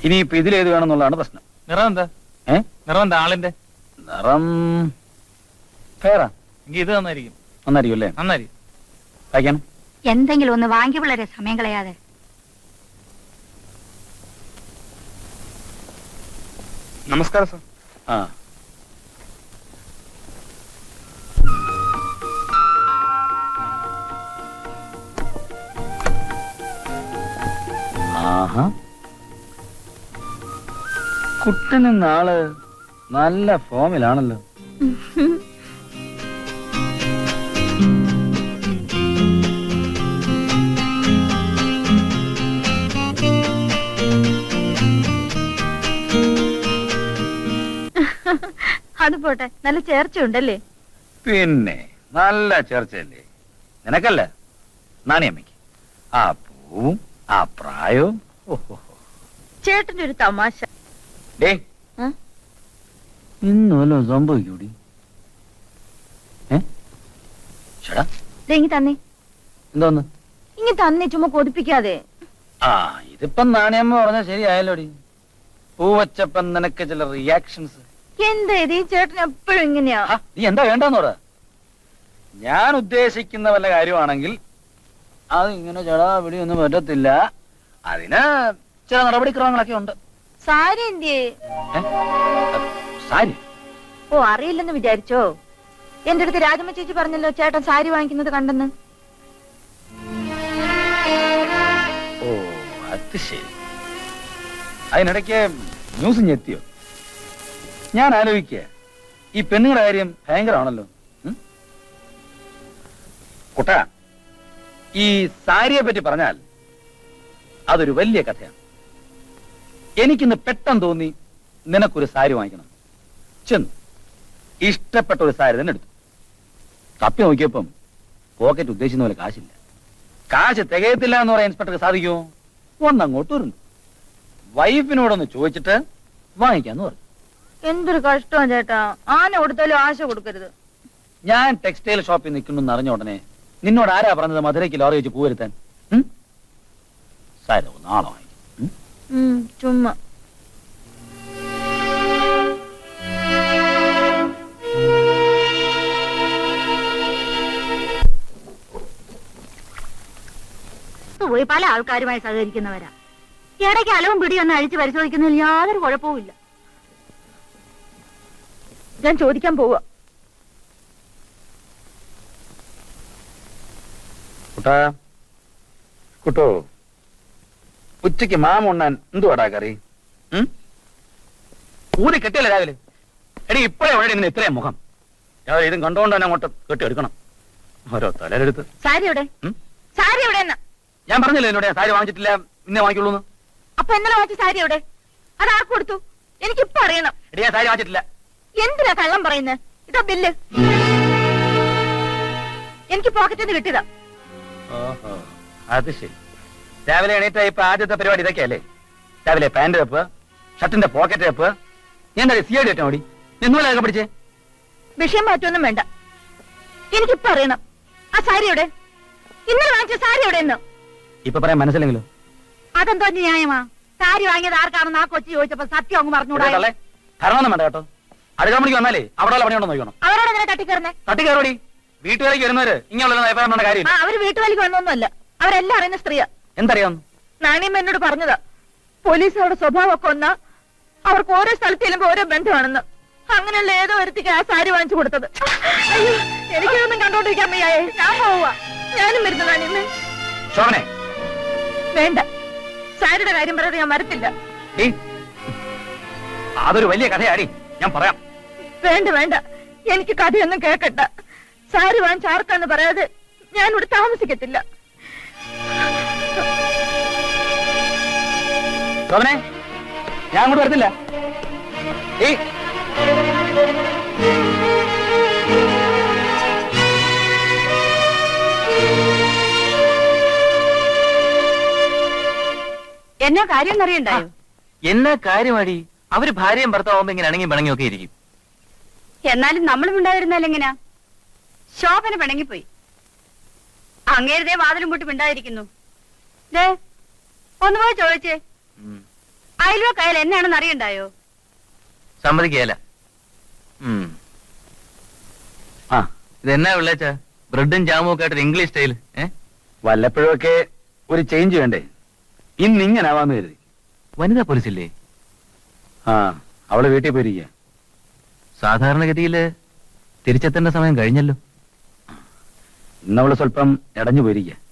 ഇനിയിപ്പോ ഇതിലേത് വേണമെന്നുള്ളതാണ് പ്രശ്നം. നിറം എന്താ? നിറം എന്താ ആളിന്റെ നിറം ഫെയറാ. എങ്കിൽ ഇത് നന്നായിരിക്കും. നന്നായിരിക്കും അല്ലേ? നന്നായിരിക്കും. വായിക്കാനും എന്തെങ്കിലും ഒന്ന് വാങ്ങി പിള്ളേരെ സമയം കളയാതെ. നമസ്കാരം സാർ. ആ ആഹാ, കുട്ടന് നാള് നല്ല ഫോമിലാണല്ലോ. അത് പോട്ടെ, നല്ല ചേർച്ചയുണ്ടല്ലേ? പിന്നെ നല്ല ചേർച്ചയല്ലേ നിനക്കല്ല, നാണിയമ്മയ്ക്ക്. ആ പൂവും ആ പ്രായവും. ചേട്ടന്റെ ഒരു തമാശ. ഇന്ന് വല്ലതും സംഭവിക്കൂടി? ഇങ്ങി തന്നെ. എന്തോന്ന് ഇങ്ങി തന്നെ, ചുമ്മാ കൊതിപ്പിക്കാതെ. ആ ഇതിപ്പം നാണിയമ്മ പറഞ്ഞ ശരിയായല്ലോടി. പൂവച്ചപ്പം നിനക്ക് ചില റിയാക്ഷൻസ്. എന്താ ഇത്, ഈ ചേട്ടൻ എപ്പോഴും ഇങ്ങനെയാ? നീ എന്താ വേണ്ടെന്ന് പറ. ഞാൻ ഉദ്ദേശിക്കുന്ന വല്ല കാര്യമാണെങ്കിൽ അത് ഇങ്ങനെ ചെടാ പിടിയൊന്നും പറ്റത്തില്ല. അതിന് ചില നടപടിക്രമങ്ങളൊക്കെ ഉണ്ട്. സാരി എന്തിയേ? സാരി? ഓ, അറിയില്ലെന്ന് വിചാരിച്ചോ? എന്റെ അടുത്ത് രാജമ്മ ചേച്ചി പറഞ്ഞല്ലോ ചേട്ടൻ സാരി വാങ്ങിക്കുന്നത് കണ്ടെന്ന്. ഓ അത് ശരി. അതിനിടയ്ക്ക് ന്യൂസ് ഞെത്തിയോ? ഞാൻ ആലോചിക്കുക, ഈ പെണ്ണുങ്ങളുടെ കാര്യം ഭയങ്കരമാണല്ലോ. കുട്ട, ഈ സാരിയെ പറ്റി പറഞ്ഞാൽ അതൊരു വലിയ കഥയാണ്. എനിക്കിന്ന് പെട്ടെന്ന് തോന്നി നിനക്കൊരു സാരി വാങ്ങിക്കണം. ചെന്ന് ഇഷ്ടപ്പെട്ട ഒരു സാരി തന്നെ എടുത്തു. തപ്പി നോക്കിയപ്പം പോക്കറ്റ് ഉദ്ദേശിക്കുന്ന പോലെ കാശില്ല. കാശ് തികയത്തില്ല എന്ന് പറയാൻ ഇൻസ്പെക്ടർക്ക് സാധിക്കുമോ? ഒന്നങ്ങോട്ട് വരുന്നു. വൈഫിനോടൊന്ന് ചോദിച്ചിട്ട് വാങ്ങിക്കാന്ന് പറഞ്ഞു. എന്തൊരു കഷ്ടമാണ് ചേട്ടാ. ആന കൊടുത്താലും ആശ കൊടുക്കരുത്. ഞാൻ ടെക്സ്റ്റൈൽ ഷോപ്പിൽ നിൽക്കുന്നു അറിഞ്ഞ ഉടനെ നിന്നോട് ആരാ പറഞ്ഞത് മധുരയ്ക്ക് ലോറി വെച്ച് പൂവരുത്താൻ? സാരി നാളെ വാങ്ങിക്കും. ചുമ്മാ. പോയി പല ആൾക്കാരുമായി സഹകരിക്കുന്നവരാ. ഇടയ്ക്ക് അലവും പിടിയൊന്നും അഴിച്ച് പരിശോധിക്കുന്നതിൽ യാതൊരു കുഴപ്പവുമില്ല. ഞാൻ ചോദിക്കാൻ പോവാ. കുട്ടോ, ഉച്ചക്ക് മാമുണ്ണാൻ എന്തുവാടാ കറി? ഊതി കെട്ടിയല്ലേ രാവിലെ? എടി ഇപ്പഴേ ഉടനെ ഇന്ന് ഇത്രയും മുഖം. രാവിലെ ഇതും കണ്ടുകൊണ്ട് തന്നെ അങ്ങോട്ട് കെട്ടിയെടുക്കണം. ഓരോ തലരെടുത്ത്. സാരി എവിടെ? സാരി എവിടെ? ഞാൻ പറഞ്ഞില്ലേ എന്നോട് ഞാൻ സാരി വാങ്ങിച്ചിട്ടില്ല, ഇന്നേ വാങ്ങിക്കുള്ളൂ. അപ്പൊ ഇന്നലെ വാങ്ങിച്ച സാരി എവിടെ? അത് ആർക്ക് കൊടുത്തു? എനിക്കിപ്പോ അറിയണം. എടി ഞാൻ സാരി വാങ്ങിച്ചിട്ടില്ല. എന്തിനാ കള്ളം പറയുന്നത്? ഇതാ ബില്ല്. എനിക്ക് പോക്കറ്റിൽ നിന്ന് കിട്ടിയതാ. ഓഹോ, അത് ശരി. രാവിലെ എണീറ്റ ഇപ്പൊ ആദ്യത്തെ പരിപാടി ഇതൊക്കെയല്ലേ? രാവിലെ പാന്റ് വെപ്പ്, ഷർട്ടിന്റെ പോക്കറ്റ് വെപ്പ്. ഞാൻ സിഐഡി ഇട്ടാ മതി. നിന്നോലൊക്കെ പിടിച്ചേ. വിഷയം മാറ്റൊന്നും വേണ്ട. എനിക്കിപ്പോ അറിയണം. ആ സാരി എവിടെ? ഇന്നലെ വാങ്ങിച്ച സാരി എവിടെ? ഇപ്പൊ പറയാൻ മനസ്സിലെങ്കിലോ? അതെന്തോ ന്യായമാ? സാരി വാങ്ങിയത് ആർക്കാണെന്ന് ആ കൊച്ചി ചോദിച്ചപ്പോ സത്യം അങ്ങ് പറഞ്ഞൂടാ. കരണമൊന്നും വേണ്ട കേട്ടോ. അടുക്കള മണിക്ക് വന്നാലേ അവിടെ പണിയുണ്ടോ നോക്കണം. അവരോട് എങ്ങനെ തട്ടിക്കയറുന്നേ? തട്ടിക്കയറോടി. വീട്ടുകാരിക്ക് വരുന്നവര് ഇങ്ങനെയുള്ള അഭിപ്രായം കാര്യം. അവര് വീട്ടുകാരിക്ക് വന്നൊന്നുമല്ല. അവരെല്ലാം അറിയുന്ന സ്ത്രീയാ. എന്തറിയാം? നാണിയമ്മ എന്നോട് പറഞ്ഞതാ. പോലീസ് അവരുടെ സ്വഭാവമൊക്കെ ഒന്നാ. അവർക്ക് ഓരോ സ്ഥലത്ത് ചെല്ലുമ്പോ ഓരോ ബന്ധമാണെന്ന്. അങ്ങനെയുള്ള ഏതോ ഒരുത്തിക്ക് ആ സാരി വാങ്ങിച്ചു കൊടുത്തത്. അയ്യോ, എനിക്കിതൊന്നും കണ്ടോണ്ടിരിക്കാൻ വയ്യായേ. ഞാൻ പോവാ. ഞാനും വരുന്നു നാണിയമ്മേ. വേണ്ട, സാരിയുടെ കാര്യം പറയാതെ ഞാൻ വരത്തില്ല. അതൊരു വലിയ കഥയാടി, ഞാൻ പറയാം. വേണ്ട വേണ്ട, എനിക്ക് കഥയൊന്നും കേൾക്കണ്ട. സാരി വാങ്ങിച്ച ആർക്കാന്ന് പറയാതെ ഞാൻ ഇവിടെ താമസിക്കത്തില്ല. ഞാൻ അങ്ങോട്ട് വരത്തില്ല. എന്നാ കാര്യം എന്നറിയണ്ടായോ? എന്നാ കാര്യമാടി? അവര് ഭാര്യയും ഭർത്താവുമ്പോ ഇങ്ങനെ അണങ്ങി പിണങ്ങിയും ഒക്കെ ഇരിക്കും. എന്നാലും നമ്മളും ഉണ്ടായിരുന്നാലും എങ്ങനാ? ശോഭന പിണങ്ങിപ്പോയി. അങ്ങേരുതേ വാതിലും പൂട്ടി മിണ്ടാതിരിക്കുന്നു. ഒന്ന് പോയി ചോദിച്ചേ. അയൽവക്കായാലും എന്നാണെന്ന് അറിയണ്ടായോ? സമ്മതിക്കല. ആ ഇതെന്നാ വിളിച്ച ബ്രെഡും ജാമും ഒക്കെ ആയിട്ട് ഇംഗ്ലീഷ് സ്റ്റൈൽ. വല്ലപ്പോഴൊക്കെ ഒരു ചേഞ്ച് വേണ്ടേ? ഇന്നിങ്ങനാവാന്ന് കരുതി. വനിതാ പോലീസില്ലേ? ആ അവള് വീട്ടിൽ പോയിരിക്കുക. സാധാരണഗതിയില് തിരിച്ചെത്തേണ്ട സമയം കഴിഞ്ഞല്ലോ. ഇന്നവള് സ്വല്പം ഇടഞ്ഞു പോയിരിക്കുക.